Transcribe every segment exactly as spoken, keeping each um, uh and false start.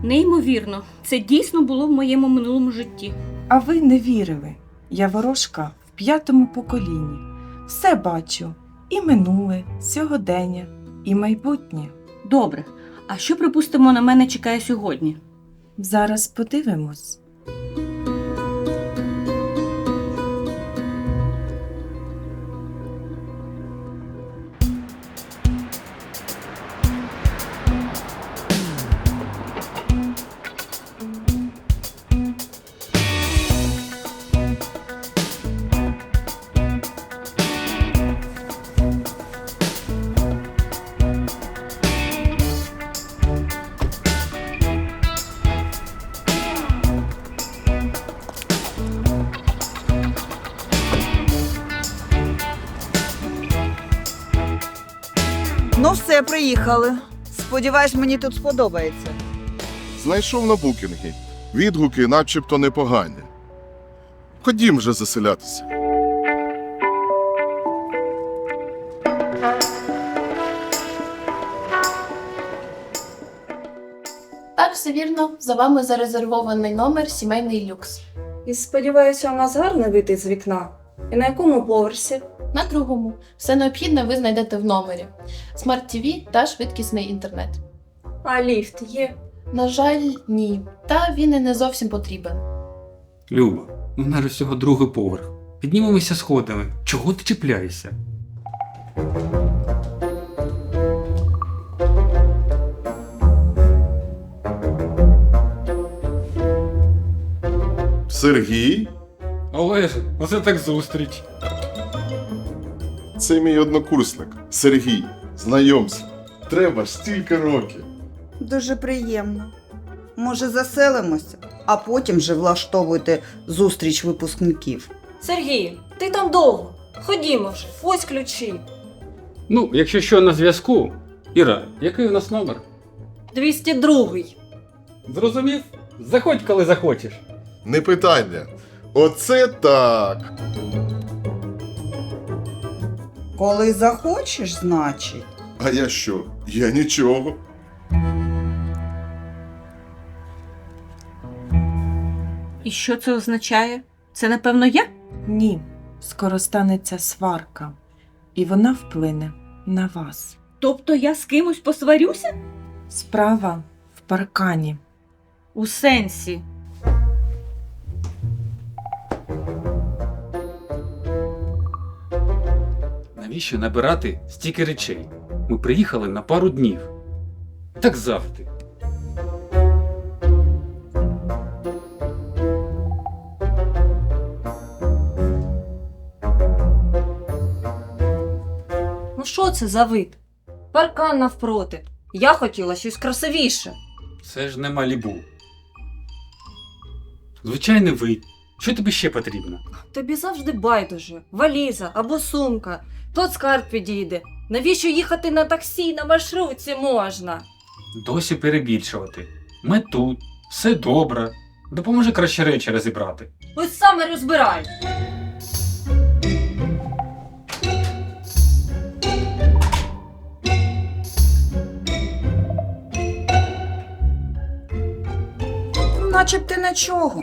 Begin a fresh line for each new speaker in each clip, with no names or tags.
Неймовірно, це дійсно було в моєму минулому житті.
А ви не вірили. Я ворожка в п'ятому поколінні. Все бачу. І минуле, сьогодення, і майбутнє.
Добре, а що, припустимо, на мене чекає сьогодні?
Зараз подивимось.
Ну все, приїхали. Сподіваюсь, мені тут сподобається.
Знайшов на букінгі. Відгуки начебто непогані. Ходім вже заселятися.
Так, все вірно. За вами зарезервований номер «Сімейний люкс».
І сподіваюся, у нас гарний вид з вікна. І на якому поверсі?
На другому. Все необхідне ви знайдете в номері. Смарт-ті ві та швидкісний інтернет.
А ліфт є?
На жаль, ні. Та він і не зовсім потрібен.
Люба, у нас всього другий поверх. Піднімемося сходами. Чого ти чіпляєшся?
Сергій?
Олеже, оце так зустріч.
Це мій однокурсник. Сергій. Знайомся. Треба ж стільки років.
Дуже приємно. Може, заселимося, а потім вже влаштовуйте зустріч випускників.
Сергій, ти там довго. Ходімо вже, ось ключі.
Ну, якщо що на зв'язку. Іра, який у нас номер?
двісті другий.
Зрозумів? Заходь, коли захочеш.
Не питання. Оце так.
Коли захочеш, значить.
А я що? Я нічого.
І що це означає? Це, напевно, я?
Ні, скоро станеться сварка. І вона вплине на вас.
Тобто я з кимось посварюся?
Справа в паркані.
У сенсі.
Навіщо набирати стільки речей? Ми приїхали на пару днів. Так завжди.
Ну що це за вид? Паркан навпроти. Я хотіла щось красивіше.
Це ж не Малібу. Звичайний вид. Що тобі ще потрібно?
Тобі завжди байдуже. Валіза або сумка. Плацкарт підійде. Навіщо їхати на таксі, на маршрутці можна?
Досі перебільшувати. Ми тут. Все добре. Допоможи краще речі розібрати.
Ось саме розбирай.
Начебто нічого.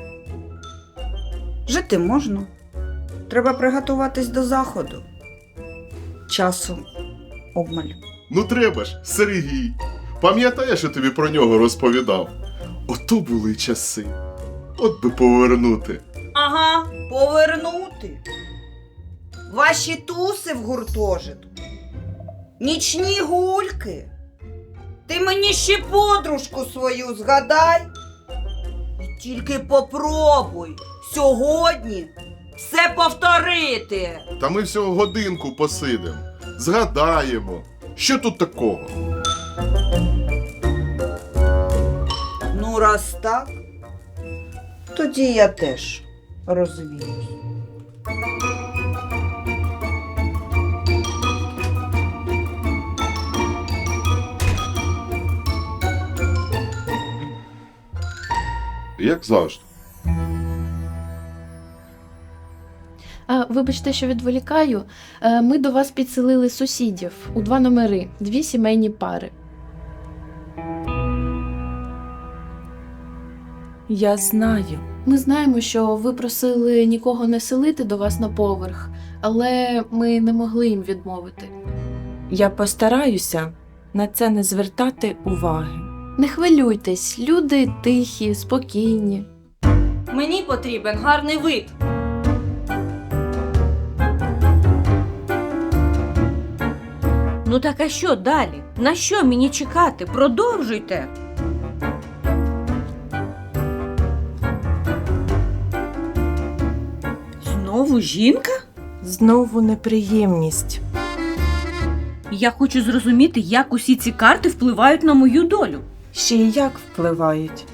Жити можна. Треба приготуватись до заходу. Часу обмаль.
Ну треба ж, Сергій. Пам'ятаєш, я тобі про нього розповідав? Ото були часи. От би повернути.
Ага, повернути. Ваші туси в гуртожитку. Нічні гульки. Ти мені ще подружку свою згадай. І тільки попробуй сьогодні все повторити.
Та ми всього годинку посидимо. Згадаємо. Що тут такого?
Ну, раз так, тоді я теж розвіюсь.
Як завжди.
А, вибачте, що відволікаю. Е, Ми до вас підселили сусідів у два номери, дві сімейні пари.
Я знаю.
Ми знаємо, що ви просили нікого не селити до вас на поверх, але ми не могли їм відмовити.
Я постараюся на це не звертати уваги.
Не хвилюйтесь, люди тихі, спокійні.
Мені потрібен гарний вид.
Ну так а що далі? На що мені чекати? Продовжуйте. Знову жінка?
Знову неприємність.
Я хочу зрозуміти, як усі ці карти впливають на мою долю.
Ще й як впливають.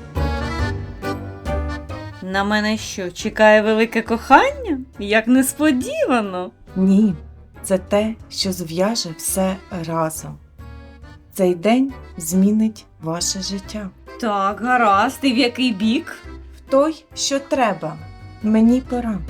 На мене що, чекає велике кохання? Як несподівано.
Ні, це те, що зв'яже все разом. Цей день змінить ваше життя.
Так, гаразд, і в який бік?
В той, що треба. Мені пора.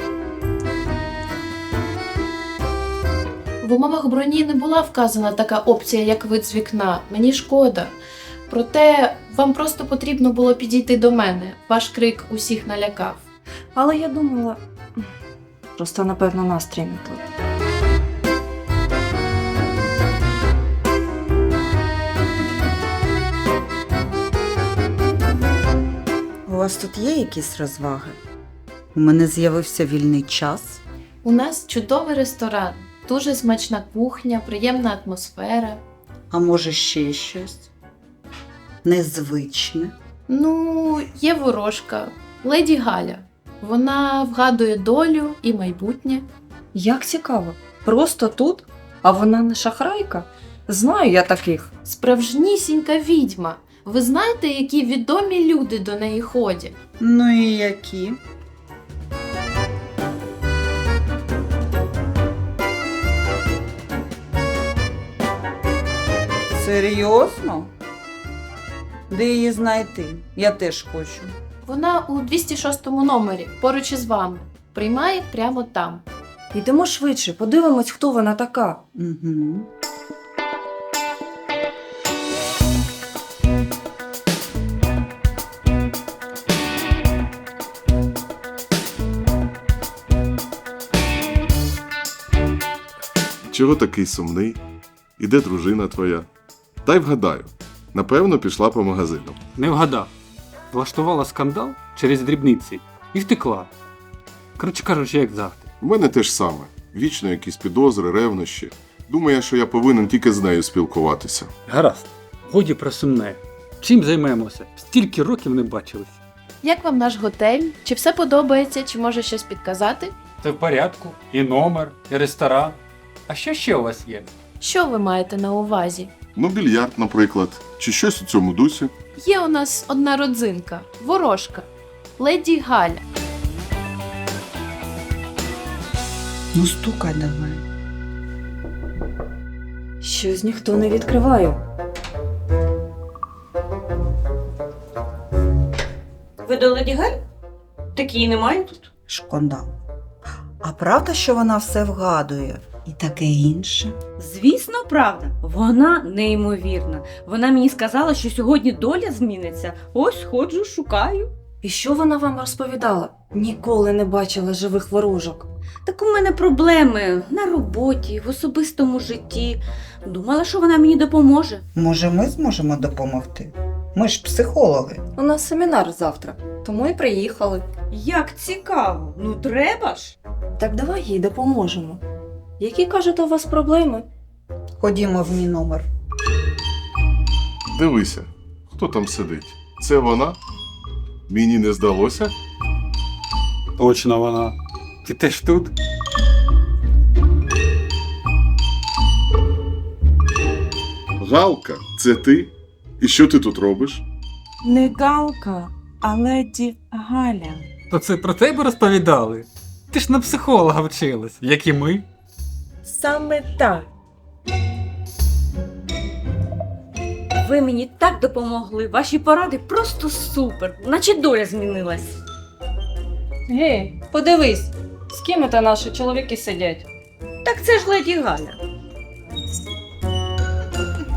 В умовах броні не була вказана така опція, як вид з вікна. Мені шкода. Проте вам просто потрібно було підійти до мене. Ваш крик усіх налякав.
Але я думала, просто напевно настрій не той.
У вас тут є якісь розваги? У мене з'явився вільний час.
У нас чудовий ресторан, дуже смачна кухня, приємна атмосфера.
А може ще щось? Незвичне.
Ну, є ворожка, леді Галя. Вона вгадує долю і майбутнє.
Як цікаво. Просто тут? А вона не шахрайка? Знаю я таких.
Справжнісінька відьма. Ви знаєте, які відомі люди до неї ходять?
Ну і які? Серйозно? Де її знайти? Я теж хочу.
Вона у двісті шостому номері, поруч із вами. Приймає прямо там.
Йдемо швидше, подивимось, хто вона така.
Угу.
Чого такий сумний? І де дружина твоя? Дай вгадаю. Напевно, пішла по магазинам.
Не вгадав. Влаштувала скандал через дрібниці і втекла. Коротше кажучи, як завжди.
У мене те ж саме. Вічно якісь підозри, ревнощі. Думає, що я повинен тільки з нею спілкуватися.
Гаразд, годі про сумне. Чим займемося? Стільки років не бачились.
Як вам наш готель? Чи все подобається, чи може щось підказати?
Це в порядку. І номер, і ресторан. А що ще у вас є?
Що ви маєте на увазі?
Ну, більярд, наприклад, чи щось у цьому дусі.
Є у нас одна родзинка – ворожка, леді Галя.
Ну стукай давай.
Щось ніхто не відкриває.
Ви до леді Галь? Такої немає тут.
Шкода. А правда, що вона все вгадує? І таке інше?
Звісно, правда. Вона неймовірна. Вона мені сказала, що сьогодні доля зміниться. Ось ходжу, шукаю.
І що вона вам розповідала? Ніколи не бачила живих ворожок.
Так у мене проблеми на роботі, в особистому житті. Думала, що вона мені допоможе.
Може, ми зможемо допомогти? Ми ж психологи.
У нас семінар завтра, тому і приїхали.
Як цікаво. Ну треба ж.
Так давай їй допоможемо. Які, кажете, у вас проблеми?
Ходімо в мій номер.
Дивися, хто там сидить. Це вона? Мені не здалося?
Точно вона. Ти теж тут?
Галка, це ти? І що ти тут робиш?
Не Галка, а леді Галя.
То це про тебе розповідали? Ти ж на психолога вчилась, як і ми.
Саме так.
Ви мені так допомогли. Ваші поради просто супер. Наче доля змінилась.
Гей, подивись, з ким це наші чоловіки сидять.
Так це ж леді Галя.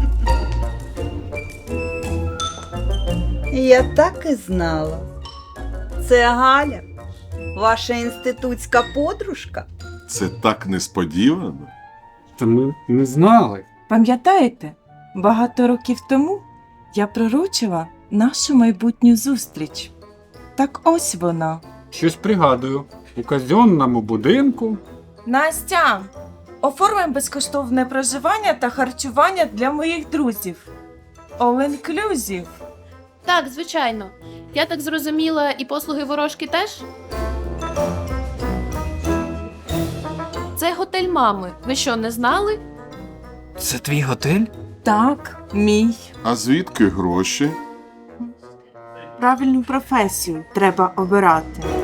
Я так і знала. це Галя, ваша інститутська подружка?
Це так несподівано.
Та ми не знали.
Пам'ятаєте, багато років тому я пророчила нашу майбутню зустріч. Так ось вона.
Щось пригадую. У казенному будинку.
Настя, оформимо безкоштовне проживання та харчування для моїх друзів. All inclusive.
Так, звичайно. Я так зрозуміла, і послуги ворожки теж? Це готель мами. Ви що, не знали?
Це твій готель?
Так, мій.
А звідки гроші?
Правильну професію треба обирати.